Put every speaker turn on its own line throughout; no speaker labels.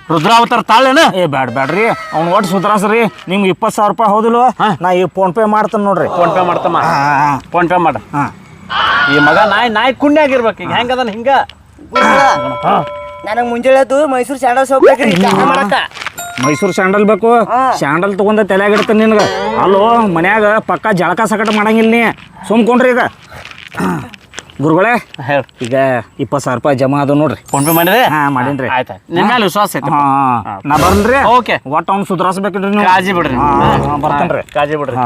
ರುದ್ರಾವತಾರ ತಾಳೇನ
ಬ್ಯಾಡ್ರಿ ಅವ್ನು ಒಟ್ಟು ಸುಧಾರಿಸ್ರಿ ನಿಮ್ಗೆ 20,000 ರೂಪಾಯಿ ಹೌದಿಲ್ವ ನಾ ಈಗ ಫೋನ್ಪೇ ಮಾಡ್ತೇನೆ ನೋಡ್ರಿ.
ಫೋನ್ಪೇ ಮಾಡ್ತಮ್ಮ ಫೋನ್ಪೇ ಮಾಡ. ಈ ಮಗ ನಾಯಿ ಕುಣ್ಯ ಆಗಿರ್ಬೇಕು ಈಗ ಹೆಂಗದನ ಹಿಂಗ.
ನನಗೆ ಮುಂಜಾನೆ ಮೈಸೂರು ಸ್ಯಾಂಡಲ್ ಸೋಪ್ ಬೇಕ್ರಿ ಮಾಡಕ್ಕ.
ಮೈಸೂರು ಸ್ಯಾಂಡಲ್ ಬೇಕು. ಸ್ಯಾಂಡಲ್ ತಗೊಂಡ ತಲೆಯಾಗಿಡ್ತಾನೆ ನಿನ್ಗೆ. ಅಲ್ಲೋ ಮನ್ಯಾಗ ಪಕ್ಕ ಜಳಕ ಸಕಟ ಮಾಡಂಗಿಲ್ಲ ನೀ ಸುಮ್ಕೊಂಡ್ರಿ. ಈಗ ಗುರುಗಳೇ ಈಗ 20,000 ರೂಪಾಯಿ ಜಮಾ ಅದು ನೋಡ್ರಿ.
ಫೋನ್ಪೇ ಮಾಡಿದ್ರೆ
ಮಾಡೀನ್ರಿ.
ಆಯ್ತು ನಿಮ್ಮ ಮೇಲೆ ವಿಶ್ವಾಸ ಐತಿ.
ನಾ ಬರ್ನ್ರಿ.
ಓಕೆ
ಒಟ್ಟು ಅವ್ನು ಸುಧಾರಿಸ್ಬೇಕ್ರಿ ನೀವು.
ಕಾಜಿ ಬಿಡ್ರಿ.
ಬರ್ತೇನ್ರಿ.
ಕಾಜಿ ಬಿಡ್ರಿ.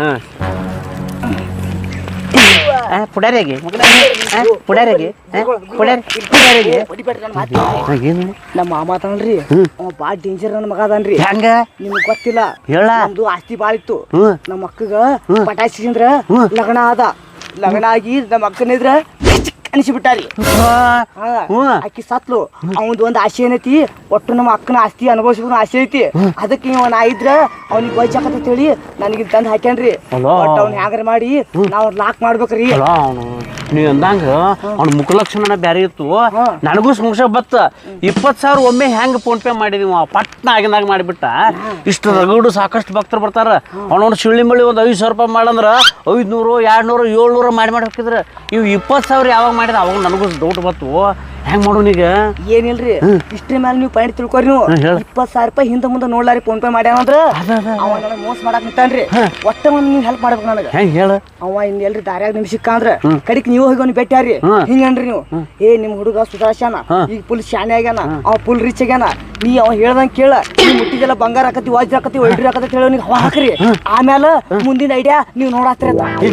ನಮ್ಮ ಮಾಮ ಅದಾನ್ರಿ ಅವ ಬಾಳ ಡೇಂಜರ್ ನನ್ನ ಮಗ ಅದಾನ್ರಿ.
ಹೆಂಗ
ನಿಮ್ಗೆ ಗೊತ್ತಿಲ್ಲ
ಹೇಳ.
ನಮ್ದು ಆಸ್ತಿ ಬಾಳ ಇತ್ತು. ನಮ್ಮ ಅಕ್ಕಗ ಪಟಾಯಿಸಿ ಅಂದ್ರ ಲಗ್ನ ಆದ. ಲಗ್ನ ಆಗಿ ನಮ್ಮ ಅಕ್ಕನಿದ್ರ ಅನಿಸಿಬಿಟ್ಟಾರಿ. ಆಕಿ ಸತ್ಲು. ಅವಂದು ಒಂದು ಆಸೆ ಏನೈತಿ, ಒಟ್ಟು ನಮ್ಮ ಅಕ್ಕನ ಆಸ್ತಿ ಅನುಭವಿಸ್ಬೇಕು ಆಸೆ ಐತಿ. ಅದಕ್ಕೆ ಇವ ನಾ ಇದ್ರ ಅವ್ನಿಗೆ ಬೈಚಾಕತ್ತ ಹೇಳಿ ನನಗೆ ತಂದು ಹಾಕ್ಯಾನ್ರಿ. ಒಟ್ಟು ಅವ್ನ ಹ್ಯಾಂಗಾರ ಮಾಡಿ ನಾವು ಲಾಕ್ ಮಾಡ್ಬೇಕ್ರಿ.
ನೀವ್ ಅಂದಂಗ ಅವ್ನ ಮುಖಲಕ್ಷಣ ಬ್ಯಾರೆ ಇತ್ತು. ನನಗೂ ಸಂಶಯ ಬತ್ತ 20,000 ಒಮ್ಮೆ ಹೆಂಗ್ ಫೋನ್ಪೇ ಮಾಡಿದೀವ ಪಟ್ನ ಆಗಿನಾಗ ಮಾಡಿಬಿಟ್ಟ. ಇಷ್ಟು ರಗಡು ಸಾಕಷ್ಟು ಭಕ್ತರು ಬರ್ತಾರ. ಅವನವ್ನು ಶಿಳ್ಳಿ ಮಳಿ ಒಂದು 5,000 ರೂಪಾಯಿ ಮಾಡಂದ್ರ 500, 200, 700 ಮಾಡಿ ಹಾಕಿದ್ರ. ಇವ್ 20,000 ಯಾವಾಗ ಮಾಡಿದ ಅವಾಗ ನನಗೂ ಡೌಟ್ ಬತ್ತು. ಹೆಂಗ್ ಮಾಡೋಣ ಈಗ?
ಏನಿಲ್ರಿ ಇಷ್ಟ್ರ ಮೇಲೆ ನೀವು ಪಾಯಿಂಟ್ ತಿಳ್ಕೊರಿ. ನೀವು 20,000 ರೂಪಾಯಿ ಹಿಂದೆ ಮುಂದೆ ನೋಡ್ಲಾರಿ ಫೋನ್ಪೇ ಮಾಡ್ಯಾನಂದ್ರ ಅವ ನನಗೆ ಮೋಸ ಮಾಡಕ್ ನಿಂತಾನ್ರಿ. ಒಟ್ಟ ಒಂದು ನೀವು ಹೆಲ್ಪ್ ಮಾಡ್ಬೇಕು ನನಗೆ.
ಹೆಂಗ್ ಹೇಳ?
ಅವ ಇನ್ ಎಲ್ರಿ ದಾರ್ಯಾಗ ನಿಮ್ ಸಿಕ್ಕ ಅಂದ್ರ ಕಡಿಕ್ ನೀವು ಹೋಗಿ ಅವ್ನಿಗೆ ಭೇಟಿಯಾರಿ. ಹಿಂಗನ್ರಿ ನೀವು ನಿಮ್ ಹುಡುಗ ಸುಧಾರ್ಸ್ಯಾನ, ಈಗ ಫುಲ್ ಶಾನೆ ಆಗ್ಯಾನ, ಅವ ಫುಲ್ ರಿಚ್ ಆಗ್ಯಾನ. ನೀ ಅವ ಹೇಳ್ದಂಗ ಕೇಳ. ನೀವು ಮುಟ್ಟಿಗೆಲ್ಲ ಬಂಗಾರ ಹಾಕತಿ, ವಾಜ್ ಹಾಕತಿ, ಒಳ್ರಿ ಹಾಕತಿ ಹೇಳಿ ಅವ್ನಿಗೆ ಹವಾ ಹಾಕ್ರಿ. ಆಮೇಲೆ ಮುಂದಿನ ಐಡಿಯಾ ನೀವು ನೋಡಾತ್ರಿ.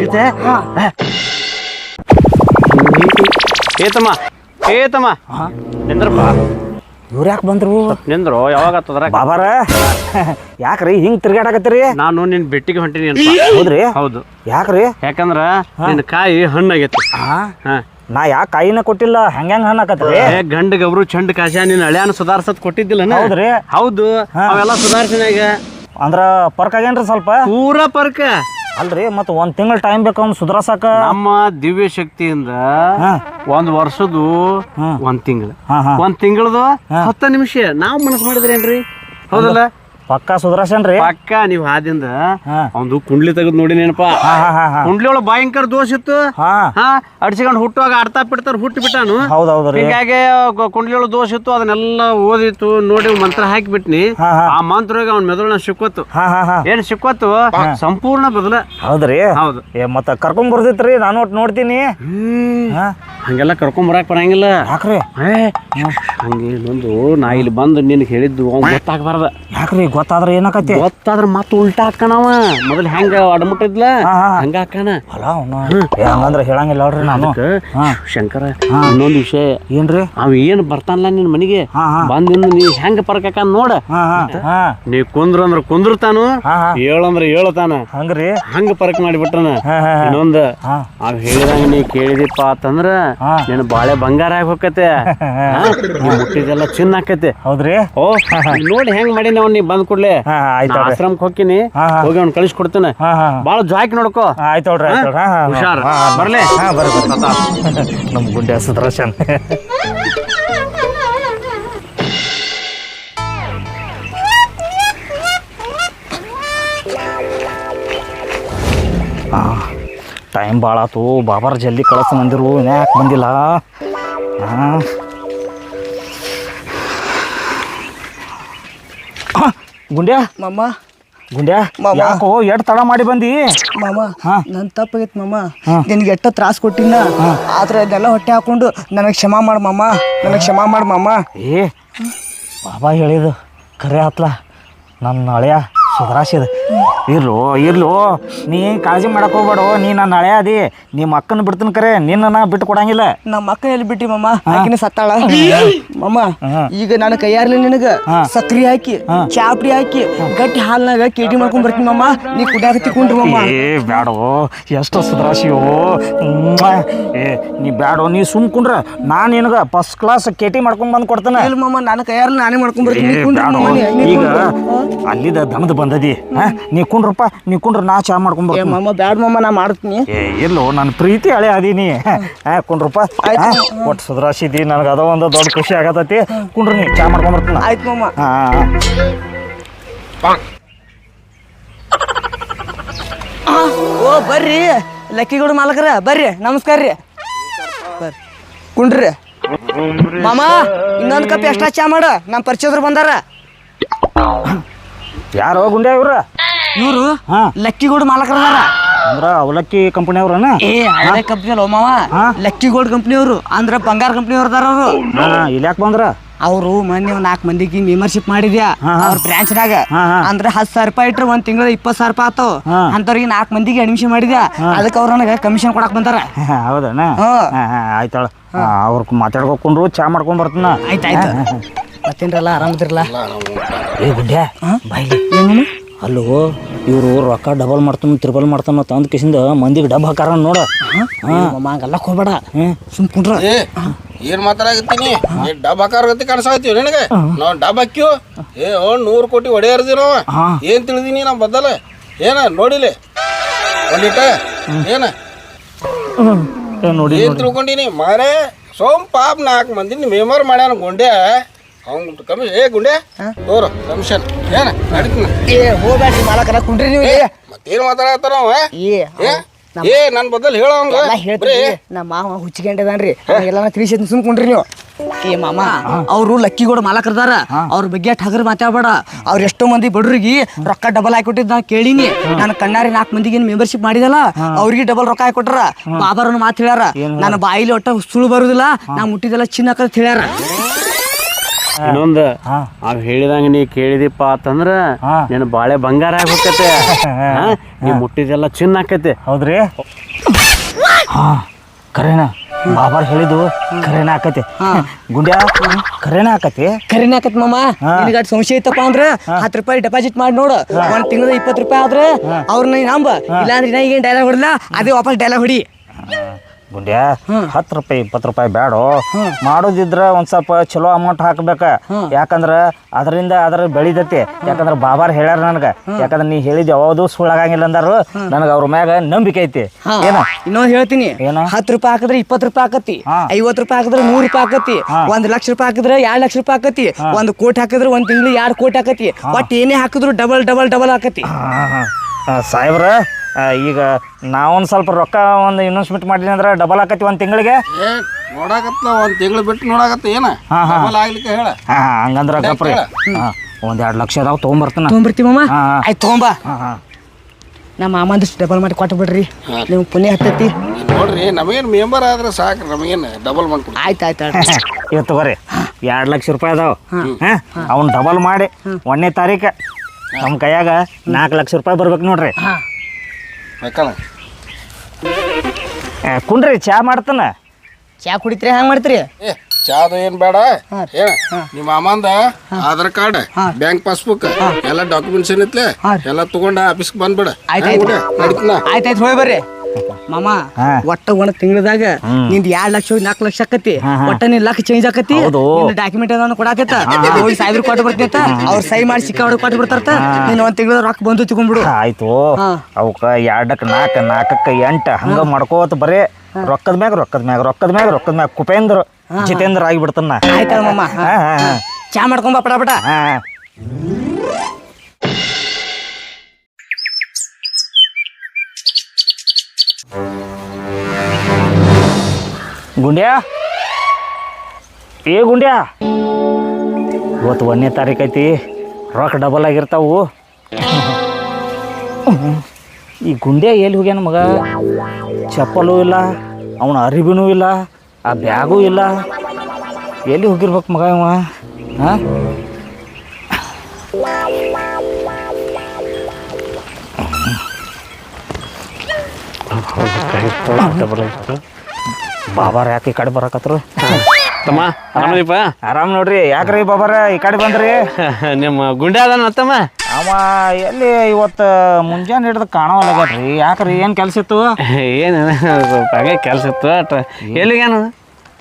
ಏತಮ್ಮ ನಿಂದ್ರಪ್ಪ.
ಇವ್ರು ಯಾಕೆ ಬಂದ್ರು?
ನಿಂದ್ರು ಯಾವಾಗ ಆತದ್ರ
ಬಾಬಾರ ಯಾಕ್ರಿ ಹಿಂಗ್ ತಿರ್ಗಾಡಕತ್ತೀರಿ?
ನಾನು ನಿನ್ ಬೆಟ್ಟಿಗೆ ಹೊಂಟಿನಿ ಅಂತ.
ಹೌದ್ರಿ?
ಹೌದು.
ಯಾಕ್ರಿ?
ಯಾಕಂದ್ರ ನಿನ್ ಕಾಯಿ ಹಣ್ಣಾಗೈತಿ.
ನಾ ಯಾಕೆ ಕಾಯಿನ ಕೊಟ್ಟಿಲ್ಲ? ಹೆಂಗ್ ಹಣ್ಣಾಕತ್ರಿ?
ಗಂಡ ಗಬ್ರು ಚಂಡ್ ಕಾಶ ನಿನ್ ಹಳ್ಯಾನ ಸುಧಾರ್ಸತ್ ಕೊಟ್ಟಿದ್ದಿಲ್ಲ.
ಹೌದ್ರಿ?
ಹೌದು. ಅವೆಲ್ಲ ಸುಧಾರ್ಸಿನ ಈಗ.
ಅಂದ್ರ ಪರ್ಕ್ ಆಗೇನ್ರಿ ಸ್ವಲ್ಪ?
ಪೂರಾ ಪರ್ಕ
ಅಲ್ರಿ. ಮತ್ 1 ತಿಂಗಳ ಟೈಮ್ ಬೇಕು ಅವ್ನು ಸುಧಾರ್ಸಾಕ.
ನಮ್ಮ ದಿವ್ಯ ಶಕ್ತಿಯಿಂದ 1 ವರ್ಷದ್ದು 1 ತಿಂಗಳು, 1 ತಿಂಗಳದು 10 ನಿಮಿಷ ನಾವು ಮನಸ್ಸು ಮಾಡಿದ್ರೇನ್ರಿ? ಹೌದಲ್ಲ?
ಪಕ್ಕಾ ಸುಧಾರ್ಸೇನ್ರಿ? ಪಕ್ಕ.
ನೀವು ಆದಿಂದ ಅವ್ನು ಕುಂಡ್ಲಿ ತೆಗೆದು ನೋಡಿ ನೆನಪ. ಕುಂಡ್ಲಿ ಒಳಗೆ ಭಯಂಕರ ದೋಷ ಇತ್ತು. ಅಡ್ಸಿಕೊಂಡು ಹುಟ್ಟುವಾಗ ಆಡ್ತಾ ಬಿಡ್ತಾರ ಹುಟ್ಟಿ ಬಿಟ್ಟಾನು. ಹೀಗಾಗಿ ಕುಂಡ್ಲಿ ಒಳಗೆ ದೋಷ ಇತ್ತು. ಅದನ್ನೆಲ್ಲ ಓದಿತ್ತು ನೋಡಿ ಮಂತ್ರ ಹಾಕಿಬಿಟ್ನಿ. ಆ ಮಂತ್ರ ಅವ್ನ ಮೆದುಳನ್ನ ಸಿಕ್ಕೋತು. ಏನ್ ಸಿಕ್ಕೋತು? ಸಂಪೂರ್ಣ ಬದಲ.
ಹೌದ್ರಿ? ಹೌದು. ಮತ್ತ ಕರ್ಕೊಂಡ್ ಬರ್ದಿತ್ರಿ ನಾನು ಒಟ್ಟು ನೋಡ್ತೀನಿ.
ಹಂಗೆಲ್ಲ ಕರ್ಕೊಂಡ್ ಬರಾಕ್ ಬರಂಗಿಲ್ಲ.
ಯಾಕ್ರಿ?
ಹಂಗೆ ಇನ್ನೊಂದು ನಾ ಇಲ್ಲಿ ಬಂದು ನಿನ್ಗೆ ಹೇಳಿದ್ದು ಅವ್ನು ಗೊತ್ತಾಗಬಾರ್ದ.
ಯಾಕ್ರಿ? ಗೊತ್ತಾದ್ರೆ ಏನಾಕತಿ?
ಗೊತ್ತಾದ್ರ ಮತ್ತ ಉಲ್ಟಾ ಹಾಕಣವ. ಮೊದಲು ಹೆಂಗ ಅಡಮುಟ್ಟಿದ್ಲ ಹಂಗ ಹಾಕಣ.
ಹಂಗಂದ್ರ ಹೇಳಂಗಿಲ್ಲ ನೋಡ್ರಿ ನಾನು.
ಶಂಕರ ಇನ್ನೊಂದು ವಿಷಯ ಏನ್ರಿ? ಅವ ಏನ್ ಬರ್ತಾನಲ್ಲ ನಿನ್ ಮನಿಗೆ ಬಂದಿಂದ ನೀ ಹೆಂಗ ಪರ್ಕಾಕ ನೋಡ. ನೀ ಕುಂದ್ರ ಅಂದ್ರ ಕುಂದ್ರತಾನು, ಹೇಳಂದ್ರ ಹೇಳ್ತಾನ. ಹಂಗ್ರಿ? ಹಂಗ ಪರಕ್ ಮಾಡಿಬಿಟ್ಟನ. ಇನ್ನೊಂದ ಅವ್ ಹೇಳಿದಂಗ ನೀ ಕೇಳಿದಿಪ್ಪ ಅಂತಂದ್ರ ನೀನ್ ಬಾಳೆ ಬಂಗಾರ ಆಗಿ ಹೋಗತ್ತೆ. ಮುಟ್ಟಿದೆಲ್ಲ ಚಿನ್ನ ಆಕತಿ. ಹೌದ್ರಿ? ಓ ನೋಡಿ ಹೆಂಗ್ ಮಾಡಿ ನಾವ್ ನೀ ಬಂದ್ ಕೊಡ್ಲಿ ಆಶ್ರಮಕ್ಕೆ ಹೋಗ್ತೀನಿ. ಹೋಗಿ ಅವ್ನ ಕಳಿಸಿ ಕೊಡ್ತೇನೆ. ಬಾಳ ಜಾಕಿ ನೋಡ್ಕೋ.
ಆಯ್ತು
ಹುಷಾರ್. ಬರ್ಲಿ
ನಮ್ ಗುಂಡೆ ಸುದರ್ಶನ್. ಟೈಮ್ ಭಾಳ ಆತು. ಬಾಬಾರ್ ಜಲ್ದಿ ಕಳಿಸ್ ಬಂದಿರು. ಯಾಕೆ ಬಂದಿಲ್ಲ? ಗುಂಡ್ಯಾ
ಮಾಮ.
ಗುಂಡ್ಯಾ ಯಾಕೋ ಎಷ್ಟ್ ತಡ ಮಾಡಿ ಬಂದಿ?
ಮಾಮ ನನ್ ತಪ್ಪಾಗೈತ್ ಮಾಮ. ನಿನ್ಗೆ ಎಷ್ಟ ತ್ರಾಸ ಕೊಟ್ಟಿನ. ಆದ್ರೆ ಅದೆಲ್ಲ ಹೊಟ್ಟೆ ಹಾಕೊಂಡು ನನಗೆ ಕ್ಷಮಾ ಮಾಡು ಮಾಮ. ನನಗೆ ಕ್ಷಮಾ ಮಾಡು ಮಾಮ.
ಬಾಬಾ ಹೇಳಿದು ಖರೆ ಆತ್ಲ. ನನ್ನ ಹಳೆಯ ಸುಧಾರಿಸಿದ. ಇರ್ಲು ನೀ ಕಾಳಜಿ ಮಾಡಕ್ ಹೋಗ್ಬೇಡ. ನೀ ನನ್ನ ಹಳೆ ಅದಿ. ನಿಮ್ಮ ಅಕ್ಕನ ಬಿಡ್ತೀನಿ ಕರೆ, ನಿನ್ನ ಬಿಟ್ಟು ಕೊಡಂಗಿಲ್ಲ.
ನಮ್ಮ ಅಕ್ಕ ಎಲ್ಲಿ ಬಿಟ್ಟಿ ಮಾಮ? ಆಕಿನ ಸತ್ತಾಳ ಮಾಮ. ಈಗ ನಾನು ಕೈಯಾರ್ಲಿ ನಿನಗ ಸಕ್ರಿ ಹಾಕಿ ಚಾಪಡಿ ಹಾಕಿ ಗಟ್ಟಿ ಹಾಲ್ನಾಗ ಕೇಟಿ ಮಾಡ್ಕೊಂಡ್ ಬರ್ತೀನಿ ಮಾಮ. ನೀ ಕುಡಿಯಾಕತ್ತಿ ಕುಂಡ್ರಿ ಮಾಮ.
ಬ್ಯಾಡೋ, ಎಷ್ಟು ಸುಧಾರಿಸಿಯೋ. ನೀ ಬ್ಯಾಡೋ, ನೀ ಸುಮ್ ಕುಂಡ್ರ. ನಾನು ನಿನಗ ಫಸ್ಟ್ ಕ್ಲಾಸ್ ಕೇಟಿ ಮಾಡ್ಕೊಂಡ್ ಬಂದ್ ಕೊಡ್ತೇನೆ.
ಇಲ್ಲ ಮಾಮ, ನಾನು ಕೈಯಾರ್ಲಿ ನಾನೇ ಮಾಡ್ಕೊಂಡ್ ಬರ್ತೀನಿ.
ಈಗ ಅಲ್ಲಿದ ದನದ ಬಂದದಿ ನೀ ಕುಂಡ್ರಪ್ಪ ನೀ ಕುಂಡ್ರ ನಾ ಚಾ ಮಾಡ್ಕೊಂಬರ್ತೀನಿ
ಮಾಮ ಬ್ಯಾಡ ಮಾಮ ನಾ ಮಾಡ್ತೀನಿ
ಎಲ್ಲೋ ನನ್ನ ಪ್ರೀತಿ ಹಳೆ ಅದೀನಿ ಕುಂಡ್ರಪ್ಪ ಒಟ್ಟು ಸುಧಾರಿಸಿದಿ ನನಗೆ ಅದೋ ಒಂದು ದೊಡ್ಡ ಖುಷಿ ಆಗತೈತಿ ಕುಂಡ್ರಿ ನೀ ಚಾ ಮಾಡ್ಕೊಂಬರ್ತೀನಿ
ಆಯ್ತು ಮಾಮ ಓ ಬರ್ರಿ ಲಕ್ಕಿಗೌಡ ಮಾಲಕರ ಬರ್ರಿ ನಮಸ್ಕಾರ ರೀ ಬರ್ರಿ ಕುಂಡ್ರಿ ಮಾಮ ಇನ್ನೊಂದು ಕಪ್ ಎಕ್ಸ್ಟ್ರಾ ಚಾ ಮಾಡ ನಮ್ಮ ಪರಿಚಯದ್ರು ಬಂದಾರ
ಯಾರೋ ಗುಂಡ್ಯಾ ಇವ್ರ
ಇವರು
ಹಾ
ಲಕ್ಕಿಗೌಡ ಮಾಲಕರದಾರ
ಅಂದ್ರ ಅವಲಕ್ಕಿ ಕಂಪನಿ ಅವ್ರನ
ಹಳೆ ಕಂಪ್ನಿ ಅಲ್ಲ ಮಾವ ಲಕ್ಕಿಗೌಡ ಕಂಪ್ನಿ ಅವರು ಅಂದ್ರ ಬಂಗಾರ ಕಂಪ್ನಿ ಅವ್ರದಾರ ಅವರು
ಇಲ್ಲಿ ಯಾಕೆ ಬಂದ್ರ
ಅವರು ಮೊನ್ನೆ 4 ಮಂದಿಗೆ ಮೆಂಬರ್ಶಿಪ್ ಮಾಡಿದ್ಯಾ ಅವ್ರ ಬ್ರಾಂಚ್ನಾಗ ಅಂದ್ರೆ 10,000 ರೂಪಾಯಿ ಇಟ್ರೆ ಒಂದ್ ತಿಂಗಳ 20,000 ರೂಪಾಯಿ ಆತಾವ ಅಂತವ್ರಿಗೆ 4 ಮಂದಿಗೆ ಅಡ್ಮಿಷನ್ ಮಾಡಿದ್ಯಾ ಅದಕ್ಕೆ ಅವ್ರ ನನಗೆ ಕಮಿಷನ್ ಕೊಡಕ್ ಬಂದಾರ
ಹೌದಣ್ಣ ಆಯ್ತಾಳ ಅವ್ರ ಮಾತಾಡ್ಕೊಂಡ್ರು ಚಾ ಮಾಡ್ಕೊಂಡ್ ಬರ್ತೀನ
ಆಯ್ತಾಯ್ತು ಮತ್ತೇನ್ರಲ್ಲ ಆರಾಮದಿರಲ್ಲ
ಏ ಗುಂಡ್ಯಾ ಬಾಯ್ಲಿ ಏನು ಅಲ್ಲೋ ಇವರು ರೊಕ್ಕ ಡಬಲ್ ಮಾಡ್ತಾನ ತ್ರಿಬಲ್ ಮಾಡ್ತಾನ ತಂದ ಕಿಸಿಂದ ಮಂದಿಗೆ ಡಬ್ ಹಾಕಾರ ನೋಡ
ಹಂಗಲ್ಲ ಹೋಗ್ಬೇಡ ಸುಮ್ ಕುಂಡ್ರ
ಏನ್ ಮಾತಾಡಕತ್ತೀನಿ ಡಬ್ ಹಾಕಾರಗತ್ತಿ ಕಾಣಿಸಾಕತ್ತೀವಿ ನಿನಗೆ ನಾವು ಡಬ್ ಹಾಕ್ಯೂ 100 ಕೋಟಿ ಹೊಡೆಯರ್ದಿ ನಾವು ಏನ್ ತಿಳಿದೀನಿ ನಮ್ಮ ಬದ್ದಲ ಏನ ನೋಡಿಲಿ ಒಂದಿಟ ಏನ
ನೋಡಿ
ಏನ್ ತಿಳ್ಕೊಂಡಿನಿ ಮಾರೇ ಸೋಮ್ ಪಾಪ 4 ಮಂದಿ ಮೆಂಬರ್ ಮಾಡ್ಯಾನ ಗುಂಡೆ ಅವ್ನು ಕಮಿಷನ್ ಗುಂಡೆ ತೋರು ಕಮಿಷನ್ ಏನ ನಡೀತೀನಿ
ಹೋಗ್ಬೇಡ್ರಿ ಮಾಲಕರ ಕುಂಡ್ರಿ ನೀವು
ಮತ್ತೇನ್ ಮಾತಾಡತ್ತಾರ ಅವ ನನ್ ಬದಲ್ ಹೇಳ
ಹೇಳ್ತೀವಿ ನಮ್ಮ ಮಾವ ಹುಚ್ಚಿಗೆಂಡದಾನ್ರಿ ಎಲ್ಲ ತಿಳಿಸಿದ್ ಸುಮ್ಕೊಂಡ್ರಿ ನೀವು ಮಾಮ ಅವರು ಲಕ್ಕಿಗೌಡ ಮಾಲಕರದಾರ ಅವ್ರ ಬಗ್ಗೆ ಠಗರ್ ಮಾತಾಡ್ಬೇಡ ಅವ್ರ ಎಷ್ಟೋ ಮಂದಿ ಬಡ್ರಿಗೆ ರೊಕ್ಕ ಡಬಲ್ ಹಾಕೊಟ್ಟಿದ್ ನಾ ಕೇಳಿನಿ ನಾನು ಕಣ್ಣಾರಿ 4 ಮಂದಿಗೆ ಮೆಂಬರ್ಶಿಪ್ ಮಾಡಿದಲ್ಲ ಅವ್ರಿಗೆ ಡಬಲ್ ರೊಕ್ಕ ಹಾಕೊಟ್ರ ಬಾಬಾರನ್ನು ಮಾತು ಹೇಳ್ಯಾರ ನನ್ನ ಬಾಯಿಲಿ ಒಟ್ಟ ಸುಳ್ಳು ಬರುದಿಲ್ಲ ನಾ ಮುಟ್ಟಿದೆಲ್ಲ ಚಿನ್ನ ಹಾಕತ್ ಹೇಳ್ಯಾರ
ಇನ್ನೊಂದು ಅವ್ ಹೇಳಿದಂಗ ನೀ ಕೇಳಿದಿಪ್ಪ ಅಂತಂದ್ರ ನೀನು ಬಾಳೆ ಬಂಗಾರ ಆಗಿ ಹೋಗತ್ತೆ ನೀ ಮುಟ್ಟಿದೆಲ್ಲ ಚಿನ್ನ ಆಕೈತಿ
ಹೌದ್ರಿ ಕರೇನ ಬಾಬಾರ್ ಹೇಳಿದ್ದು ಕರೇನ ಆಕತಿ ಗುಂಡ್ಯಾ ಕರೇನ ಆಕತಿ
ಕರೇನ ಆಕತ್ ಮಾಮ ನಿನಗ ಸಂಶಯ ಐತಪ್ಪ ಅಂದ್ರ 10 ರೂಪಾಯಿ ಡೆಪಾಸಿಟ್ ಮಾಡಿ ನೋಡು ಒಂದ್ ತಿಂಗಳ 20 ರೂಪಾಯಿ ಆದ್ರೆ ಅವ್ರನ್ನ ನಂಬ ಇಲ್ಲಾಂದ್ರೆ ನಾ ಈಗೇನ್ ಡೈಲಾಗ್ ಹೊಡಲ್ಲ ಅದೇ ವಾಪಸ್ ಡೈಲಾಗ್ ಹೊಡಿ
ಗುಂಡ್ಯಾ 10 ರೂಪಾಯಿ 20 ರೂಪಾಯಿ ಬ್ಯಾಡೋ ಮಾಡೋದಿದ್ರ ಒಂದ್ ಸ್ವಲ್ಪ ಚಲೋ ಅಮೌಂಟ್ ಹಾಕ್ಬೇಕ ಯಾಕಂದ್ರ ಅದರಿಂದ ಅದ್ರ ಬೆಳಿದತಿ ಯಾಕಂದ್ರ ಬಾಬಾರ್ ಹೇಳ್ಯಾರ ನನಗ ಯಾಕಂದ್ರ ನೀ ಹೇಳಿದ್ ಯಾವ್ದು ಸುಳ್ಳಾಗಂಗಿಲ್ಲ ಅಂದಾರು ನನಗ ಅವ್ರ ಮ್ಯಾಗ ನಂಬಿಕೆ ಐತಿ ಏನ
ಇನ್ನೊಂದ್ ಹೇಳ್ತೀನಿ 10 ರೂಪಾಯಿ ಹಾಕಿದ್ರೆ 20 ರೂಪಾಯಿ ಆಕತಿ 50 ರೂಪಾಯಿ ಹಾಕಿದ್ರೆ 100 ರೂಪಾಯಿ ಆಕತಿ 1 ಲಕ್ಷ ರೂಪಾಯಿ ಹಾಕಿದ್ರೆ 2 ಲಕ್ಷ ರೂಪಾಯಿ ಆಕತಿ 1 ಕೋಟಿ ಹಾಕಿದ್ರೆ ಒಂದ್ ತಿಂಗಳು 2 ಕೋಟಿ ಆಕತಿ ಒಟ್ಟು ಏನೇ ಹಾಕಿದ್ರು ಡಬಲ್ ಡಬಲ್ ಡಬಲ್ ಆಕತಿ
ಸಾಹೇಬ್ರ ಈಗ ನಾವೊಂದು ಸ್ವಲ್ಪ ರೊಕ್ಕ ಒಂದು ಇನ್ವೆಸ್ಟ್ಮೆಂಟ್ ಮಾಡಿದ್ವಿ ಅಂದ್ರೆ ಡಬಲ್ ಆಕತಿ ಒಂದು ತಿಂಗಳಿಗೆ
ನೋಡಾಕತ್ತ ಒಂದ್ ತಿಂಗಳು ಬಿಟ್ಟು ನೋಡಾಕತ್ತ ಏನ ಆಗ್ಲಿಕ್ಕೆ ಹೇಳ
ಹಂಗಂದ್ರ ಗಪ್ರಿ ಒಂದ್ 2 ಲಕ್ಷ ಅದಾವ
ತೊಗೊಂಬರ್ತೀವಿ ಮಾಮ ಆಯ್ತು ತೊಗೊಂಬ ನಮ್ಮ ಮಾಮಂದಷ್ಟು ಡಬಲ್ ಮಾಡಿ ಕೊಟ್ಟು ಬಿಡ್ರಿ ನೀವು ಪುಣ್ಯ ಹತ್ತೈತಿ
ನೋಡ್ರಿ ನಮಗೇನು ಮೆಂಬರ್ ಆದ್ರೆ ಸಾಕು ನಮಗೇನು ಡಬಲ್ ಮಾಡ್ಕೊಡಿ
ಆಯ್ತು
ಇವತ್ತು ತಗೋರಿ 2 ಲಕ್ಷ ರೂಪಾಯಿ ಅದಾವ ಅವ್ನು ಡಬಲ್ ಮಾಡಿ 1ನೇ ತಾರೀಕು ನಮ್ಮ ಕೈಯಾಗ 4 ಲಕ್ಷ ರೂಪಾಯಿ ಬರ್ಬೇಕು ನೋಡ್ರಿ
ಬೇಕಲ್ಲ
ಕುಂಡ್ರಿ ಚಾ ಮಾಡ್ತಾನ
ಚಾ ಕುಡಿತ್ರಿ ಹ್ಯಾಂಗ ಮಾಡ್ತೀರಿ
ಚಾದು ಏನ್ ಬೇಡ ಏನ ನಿಮ್ಮ ಮಾಮಂದ ಆಧಾರ್ ಕಾರ್ಡ್ ಬ್ಯಾಂಕ್ ಪಾಸ್ಬುಕ್ ಎಲ್ಲ ಡಾಕ್ಯುಮೆಂಟ್ಸ್ ಏನಿತ್ಲೆ ಎಲ್ಲ ತಗೊಂಡ ಆಫೀಸ್ಗೆ ಬಂದ್ಬಿಡ
ಆಯ್ತಾಯ್ತು ಹೋಗಿ ಬರ್ರಿ ಮಾಮ ಒಟ್ಟ ಒಂದ್ ತಿಂಗಳದಾಗ ನಿಂದ 2 ಲಕ್ಷ 4 ಲಕ್ಷ ಆಕತಿ ಒಟ್ಟ ನಿನ್ ಲಕ್ಷ ಚೇಂಜ್ ಆಕತಿ ಡಾಕ್ಯುಮೆಂಟ್ ಅದನ್ನ ಕೊಡಾಕತ್ತ ಹೋಗಿ ಸಾಹೇಬ್ರು ಕೊಟ್ಟು ಬರ್ತೀತ ಅವ್ರ ಸೈ ಮಾಡಿ ಸಿಕ್ಕ ಹೊಡಕ್ ಕೊಟ್ಟು ಬಿಡ್ತಾರ ನೀನ್ ಒಂದ್ ತಿಂಗಳ ರೊಕ್ಕ ಬಂದು ತಗೊಂಡ್ಬಿಡು
ಆಯ್ತು ಅವಕ್ಕ 2ಕ್ಕೆ 4 4ಕ್ಕೆ 8 ಹಂಗ ಮಾಡ್ಕೋತ ಬರೇ ರೊಕ್ಕದ ಮ್ಯಾಗ ಕುಪೇಂದ್ರ ಜಿತೇಂದ್ರ ಆಗಿಬಿಡ್ತಾನ
ಆಯ್ತಲ್ಲ ಮಾಮ ಚಾ ಮಾಡ್ಕೊಂಬ ಪಟ
ಗುಂಡ್ಯಾ ಇವತ್ತು 1ನೇ ತಾರೀಕು ಐತಿ ರೊಕ್ಕ ಡಬಲ್ ಆಗಿರ್ತಾವು ಈ ಗುಂಡ್ಯಾ ಎಲ್ಲಿ ಹೋಗ್ಯಾನ ಮಗ ಚಪ್ಪಲು ಇಲ್ಲ ಅವನ ಅರಿವಿನೂ ಇಲ್ಲ ಆ ಬ್ಯಾಗೂ ಇಲ್ಲ ಎಲ್ಲಿ ಹೋಗಿರ್ಬೇಕು ಮಗ ಇವ ಬಾಬಾರ ಯಾಕೆ ಈ ಕಡೆ ಬರಕತ್ರು
ತಮ್ಮ ಆರಾಮದಿಪ್ಪ
ಆರಾಮ್ ನೋಡ್ರಿ ಯಾಕ್ರಿ ಬಾಬಾರ ಈ ಕಡೆ ಬಂದ್ರಿ
ನಿಮ್ಮ ಗುಂಡೆ ಅದಾನ ತಮ್ಮ
ಅವ ಎಲ್ಲಿ ಇವತ್ತು ಮುಂಜಾನೆ ಹಿಡ್ದು ಕಾಣವಲ್ಲಾಗ್ರಿ ಯಾಕ್ರಿ ಏನು ಕೆಲಸ ಇತ್ತು
ಏನು ಹಾಗೆ ಕೆಲಸ ಇತ್ತು ಎಲ್ಲಿಗೇನು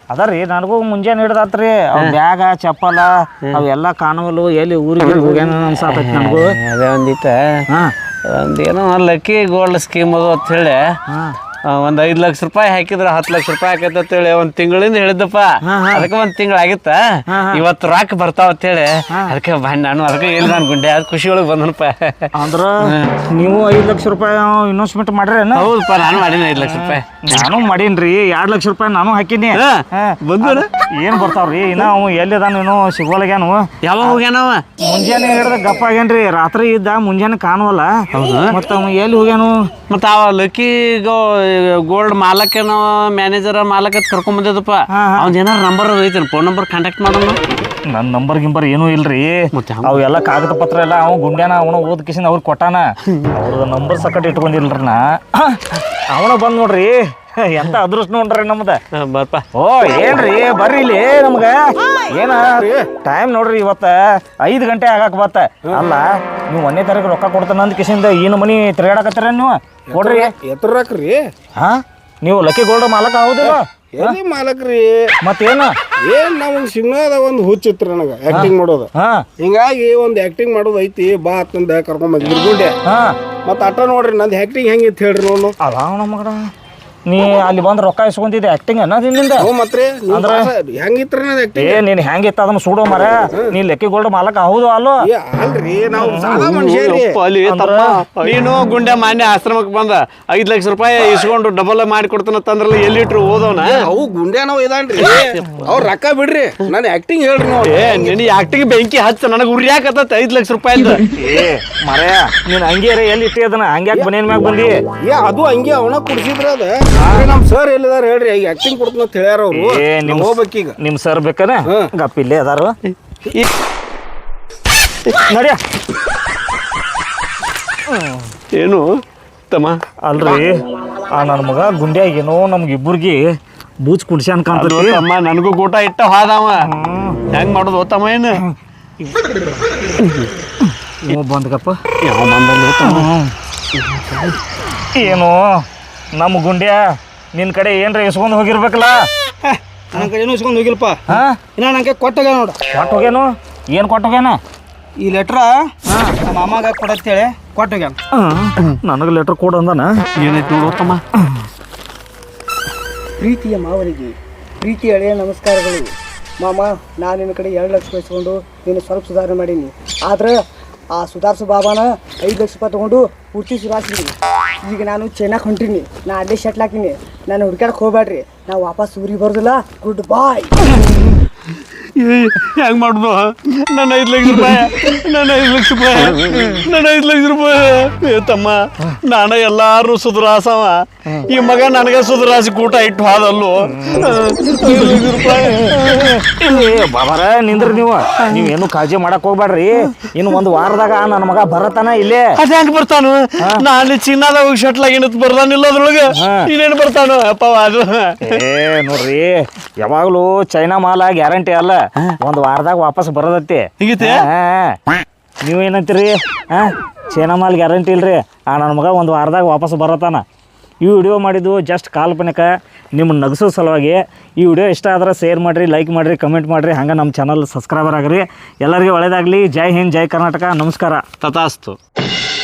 ಅದರಿ ನನಗೂ ಮುಂಜಾನೆ ಹಿಡ್ದಾತ್ರಿ ಅವ್ ಬ್ಯಾಗ ಚಪ್ಪಲ ಅವೆಲ್ಲ ಕಾಣವಲ್ಲು ಎಲ್ಲಿ ಊರಿಗೆ ಹೋಗ್ಯಾನ ಅನ್ಸಾತೈತಿ ನನಗೂ
ಅದೇ ಒಂದಿಟ್ಟ ಒಂದೇನೋ ಲಕ್ಕಿ ಗೋಲ್ಡ್ ಸ್ಕೀಮ್ ಅದು ಅಂತ ಹೇಳಿ ಒಂದ್ 5 ಲಕ್ಷ ರೂಪಾಯಿ ಹಾಕಿದ್ರ 10 ಲಕ್ಷ ರೂಪಾಯಿ ಆಕೈತೆ ಅಂತೇಳಿ ಒಂದ್ ತಿಂಗಳಿಂದ ಹೇಳಿದ್ದಪ್ಪ ಅದಕ್ಕೆ ಒಂದ್ ತಿಂಗಳ ಆಗಿತ್ತ ಇವತ್ತು ರಾಕ್ ಬರ್ತಾವ ಅಂತೇಳಿ ಅದಕ್ಕೆ ನಾನು ಅದಕ್ಕೆ ಇಲ್ಲ ಅನ್ಕೊಂಡೆ ಅದ್ ಖುಷಿ ಒಳಗೆ ಬಂದನಪ್ಪ.
ಅಂದ್ರ ನೀವು 5 ಲಕ್ಷ ರೂಪಾಯಿ ಇನ್ವೆಸ್ಟ್ಮೆಂಟ್ ಮಾಡ್ರೇನ?
ಹೌದಪ್ಪ ನಾನು ಮಾಡೀನಿ 5 ಲಕ್ಷ ರೂಪಾಯಿ.
ನಾನು ಮಾಡೀನ್ರಿ 2 ಲಕ್ಷ ರೂಪಾಯಿ ನಾನು ಹಾಕಿನಿ.
ಬಂದು
ಏನ್ ಬರ್ತಾವ್ರಿ ಇನ್ನ ಅವ್ ಎಲ್ಲಿದಾನ ಏನೋ ಸಿಗೋಲಾಗ್ಯಾನು.
ಯಾವಾಗ ಹೋಗ್ಯಾನವ?
ಮುಂಜಾನೆ ಹಿಡ್ದ ಗಪ್ಪ ಆಗ್ಯಾನ್ರಿ, ರಾತ್ರಿ ಇದ್ದ ಮುಂಜಾನೆ ಕಾಣವಲ್ಲ. ಮತ್ತ ಅವ ಎಲ್ಲಿ ಹೋಗ್ಯಾನು?
ಮತ್ತ ಅವ ಲಕ್ಕಿ ಗೋಲ್ಡ್ ಮಾಲಕನ ಮ್ಯಾನೇಜರ್ ಮಾಲಕ ಕರ್ಕೊಂಡ್ ಬಂದಿದ್ದಪ್ಪ. ಅವ್ನ ಏನಾರ ನಂಬರ್ ಐತಿ, ಫೋನ್ ನಂಬರ್ ಕಾಂಟ್ಯಾಕ್ಟ್ ಮಾಡೋಣ.
ನನ್ನ ನಂಬರ್ ಗಿಂಬರ್ ಏನೂ ಇಲ್ರಿ. ಅವೆಲ್ಲ ಕಾಗದ ಪತ್ರ ಎಲ್ಲ ಅವ ಗುಂಡ್ಯಾನ ಅವನ ಓದ್ ಕಿಸಿಂದ ಅವ್ರಿಗೆ ಕೊಟ್ಟಾನ. ಅವ್ರದ ನಂಬರ್ ಸಕಟ್ ಇಟ್ಕೊಂಡಿಲ್ರಿ ನಾ. ಅವನ ಬಂದ್ ನೋಡ್ರಿ, ಎಂತ ಅದೃಷ್ಟ ನೋಡ್ರಿ ನಮ್ದ.
ಬರ್ಪ.
ಓ ಏನ್ರಿ ಬರ್ರಿ ಇಲ್ಲಿ ನಮ್ಗ ಏನ ಟೈಮ್ ನೋಡ್ರಿ ಇವತ್ತ 5 ಗಂಟೆ ಆಗಾಕ ಬತ್ತ. ಅಲ್ಲ ನೀವು 1ನೇ ತಾರೀಕು ರೊಕ್ಕ ಕೊಡ್ತಾನ ಅಂದ ಕಿಸಿಂದ ಏನು ಮನಿ ತಿರುಗಾಡಕತ್ತೀರ ನೀವು? ಕೊಡ್ರಿ.
ಎತ್ತರಾಕ್ರಿ
ಹಾ ನೀವು ಲಕ್ಕಿ ಗೋಲ್ಡ್ ಮಾಲಕ ಹೌದಿಲ್ಲ?
ಎಲ್ಲಿ ಮಾಲಕ್ರಿ
ಮತ್ತೇನ
ಏನ್ ನಮಗೆ ಸಿನಿಮಾದ ಒಂದು ಹುಚ್ಚಿತ್ರ ನನಗೆ ಆಕ್ಟಿಂಗ್ ಮಾಡೋದು. ಹಿಂಗಾಗಿ ಒಂದು ಆಕ್ಟಿಂಗ್ ಮಾಡೋದು ಐತಿ ಬಾ ಅಂತಂದ ಕರ್ಕೊಂಡ್ ಬಂದಿದ್ರು ಗುಂಡೆ. ಮತ್ತ ಅಟ್ಟ ನೋಡ್ರಿ ನಂದು ಆಕ್ಟಿಂಗ್ ಹೆಂಗಿತ್ತು ಹೇಳ್ರಿ ನೋಡು.
ಅಲ್ಲ ನಮಗಡ ನೀ ಅಲ್ಲಿ ಬಂದು ರೊಕ್ಕ ಇಸ್ಕೊಂತಿದ್ದೆ ಆಕ್ಟಿಂಗ್ ಅನ್ನೋದಿಂದ
ಮತ್ತೆ ಹೆಂಗಿತ್ರ
ಏ ನೀನ್ ಹೆಂಗಿತ್ತ ಅದನ್ನ ಸುಡೋ ಮರ. ನೀ ಲೆಕ್ಕಿ ಗೋಲ್ಡ್ ಮಾಲಕ ಹೌದು ಅಲ್ಲೋ?
ಅಲ್ರಿ ನಾವು ಸಾದಾ ಮನುಷ್ಯ
ನೀನು ಗುಂಡೆ ಮಾನ್ಯ ಆಶ್ರಮಕ್ಕೆ ಬಂದ 5 ಲಕ್ಷ ರೂಪಾಯಿ ಇಸ್ಕೊಂಡು ಡಬಲ್ ಮಾಡಿ ಕೊಡ್ತಾನಂದ್ರಲ್ಲ ಎಲ್ಲಿಟ್ರು ಓದವನ?
ಅವು ಗುಂಡೆ ನಾವು ಇದಾನ್ರಿ ಅವ್ರ ರೊಕ್ಕ ಬಿಡ್ರಿ ನಾನು ಆಕ್ಟಿಂಗ್ ಹೇಳ್ರಿ ನೋಡಿ.
ನಿನ್ನ ಆಕ್ಟಿಂಗ್ ಬೆಂಕಿ ಹಚ್ಚ ನನಗೆ ಉರಿಯಾಕತ್ತ 5 ಲಕ್ಷ ರೂಪಾಯಿ.
ಏ ಮರ ನೀನ್ ಹಂಗೇರ ಎಲ್ಲಿ ಇಟ್ಟಿ ಅದನ್ನ ಹಂಗ್ಯಾಕ್ ಬನೇನ್ ಮ್ಯಾಗ ಬಂದಿ?
ಅದು ಹಂಗೆ ಅವನ ಕುಡಿಸಿದ್ರ ಅದ. ನಮ್ ಸರ್ ಎಲ್ಲಿದಾರ ಹೇಳ್ರಿ ಈಗ ಆಕ್ಟಿಂಗ್ ಕೊಡ್ತಾನ ಅಂತ ಹೇಳ್ಯಾರ ಅವ್ರು. ಹೋಗ್ಬೇಕೀಗ
ನಿಮ್ ಸರ್ ಬೇಕನ ಗಪ್ಪಿಲ್ಲೇ ಅದಾರು ನಡಿಯ.
ಏನು ತಮ್ಮ?
ಅಲ್ರಿ ಆ ನನ್ನ ಮಗ ಗುಂಡ್ಯಾಗೇನೋ ನಮ್ಗೆ ಇಬ್ಬರಿಗೆ ಬೂಚ್ ಕುಡ್ಸ್ಯಾನ್ ಕಾಣ್ತದೆ.
ತಮ್ಮ ನನಗೂ ಗೋಟ ಇಟ್ಟ ಹಾದವ ಹೆಂಗ್ ಮಾಡೋದು ತಮ್ಮ? ಏನು
ಬಂದ್ಗಪ್ಪ
ಯಾವ
ಏನು ನಮ್ಮ ಗುಂಡ್ಯಾ ನಿನ್ನ ಕಡೆ ಏನ್ರ ಇಸ್ಕೊಂಡು ಹೋಗಿರ್ಬೇಕಲ್ಲ?
ನನ್ನ ಕಡೆ ಏನೂ ಇಸ್ಕೊಂಡು ಹೋಗಿಲ್ಪ. ಇನ್ನ ನನಗೆ ಕೊಟ್ಟೋಗ್ಯಾನ ನೋಡು.
ಕೊಟ್ಟು ಹೋಗ್ಯಾನು? ಏನು ಕೊಟ್ಟು ಹೋಗ್ಯಾನ?
ಈ ಲೆಟ್ರ ನಮ್ಮ ಅಮ್ಮಗೆ ಕೊಡತ್ತೇಳಿ ಕೊಟ್ಟೋಗ್ಯಾನ.
ನನಗೆ ಲೆಟ್ರ್ ಕೊಡು ಅಂದಾನ.
ಏನೈತಿ ನೋಡು ತಮ್ಮ.
ಪ್ರೀತಿಯ ಮಾವನಿಗೆ ಪ್ರೀತಿ ಹಳೆಯ ನಮಸ್ಕಾರಗಳು. ಮಾಮ, ನಾನು ನಿನ್ನ ಕಡೆ 2 ಲಕ್ಷ ರೂಪಾಯಿ ಇಸ್ಕೊಂಡು ನೀನು ಸ್ವಲ್ಪ ಸುಧಾರಣೆ ಮಾಡೀನಿ. ಆದ್ರೆ ಆ ಸುಧಾರಿಸೋ ಬಾಬಾನ 5 ಲಕ್ಷ ರೂಪಾಯಿ ತೊಗೊಂಡು ಪೂರ್ತಿ ಸುಧಾರಿಸಿನಿ. ಈಗ ನಾನು ಚೈನಾಕ್ ಹೊಂಟೀನಿ, ನಾ ಅಲ್ಲೇ ಶಟ್ಲ್ ಹಾಕಿನಿ. ನಾನು ಹುಡ್ಕ್ಯಾಡಕ್ಕೆ ಹೋಗ್ಬೇಡ್ರಿ, ನಾವು ವಾಪಸ್ ಊರಿಗೆ ಬರೋದಿಲ್ಲ. Goodbye.
ಹೆಂಗ್ ಮಾಡುದು? ನನ್ನ 5 ಲಕ್ಷ ರೂಪಾಯಿ, ನನ್ನ 5 ಲಕ್ಷ ರೂಪಾಯಿ, ನನ್ನ 5 ಲಕ್ಷ ರೂಪಾಯಿ. ಏ ತಮ್ಮ, ನಾನು ಎಲ್ಲಾರು ಸುಧಾರಸವ, ಈ ಮಗ ನನಗೆ ಸುಧಾರಿಸಿ ಕೂಟ ಇಟ್ಟು ಹಾದಲ್ಲೋ. 5 ಲಕ್ಷ ರೂಪಾಯಿ.
ಬಾಬಾರ ನಿಂದ್ರಿ ನೀವೇನು ಕಾಳಜಿ ಮಾಡಕ್ ಹೋಗ್ಬೇಡ್ರಿ. ಇನ್ನು 1 ವಾರದಾಗ ನನ್ನ ಮಗ ಬರತಾನ ಇಲ್ಲೇ.
ಅದ ಹೆಂಗ್ ಬರ್ತಾನು? ನಾನು ಚಿನ್ನದಾಗ ಶಟ್ಲ್ ಆಗಿನತ್ ಬರ್ತಾನಿಲ್ಲ ಅದ್ರೊಳಗೆ. ಇನ್ನೇನು ಬರ್ತಾನು ಅಪ್ಪ? ಅದು
ನೋಡ್ರಿ ಯಾವಾಗ್ಲೂ ಚೈನಾ ಮಾಲ ಗ್ಯಾರಂಟಿ ಅಲ್ಲ, 1 ವಾರದಾಗ ವಾಪಸ್ ಬರೋದತ್ತಿ.
ಹೀಗೈತೆ?
ನೀವೇನಂತೀರಿ? ಚೈನಾ ಮಾಲ್ ಗ್ಯಾರಂಟಿ ಇಲ್ರಿ. ನನ್ನ ಮಗ 1 ವಾರದಾಗ ವಾಪಸ್ ಬರತಾನ. ಈ ವಿಡಿಯೋ ಮಾಡಿದ್ದು ಜಸ್ಟ್ ಕಾಲ್ಪನಿಕ, ನಿಮ್ಮ ನಗಸೋ ಸಲುವಾಗಿ. ಈ ವಿಡಿಯೋ ಇಷ್ಟ ಆದ್ರೆ ಶೇರ್ ಮಾಡಿರಿ, ಲೈಕ್ ಮಾಡಿರಿ, ಕಮೆಂಟ್ ಮಾಡಿರಿ. ಹಂಗೆ ನಮ್ಮ ಚಾನಲ್ ಸಬ್ಸ್ಕ್ರೈಬರ್ ಆಗಿರಿ. ಎಲ್ಲರಿಗೂ ಒಳ್ಳೆಯದಾಗಲಿ. ಜೈ ಹಿಂದ್, ಜೈ ಕರ್ನಾಟಕ. ನಮಸ್ಕಾರ.
ತಥಾಸ್ತು.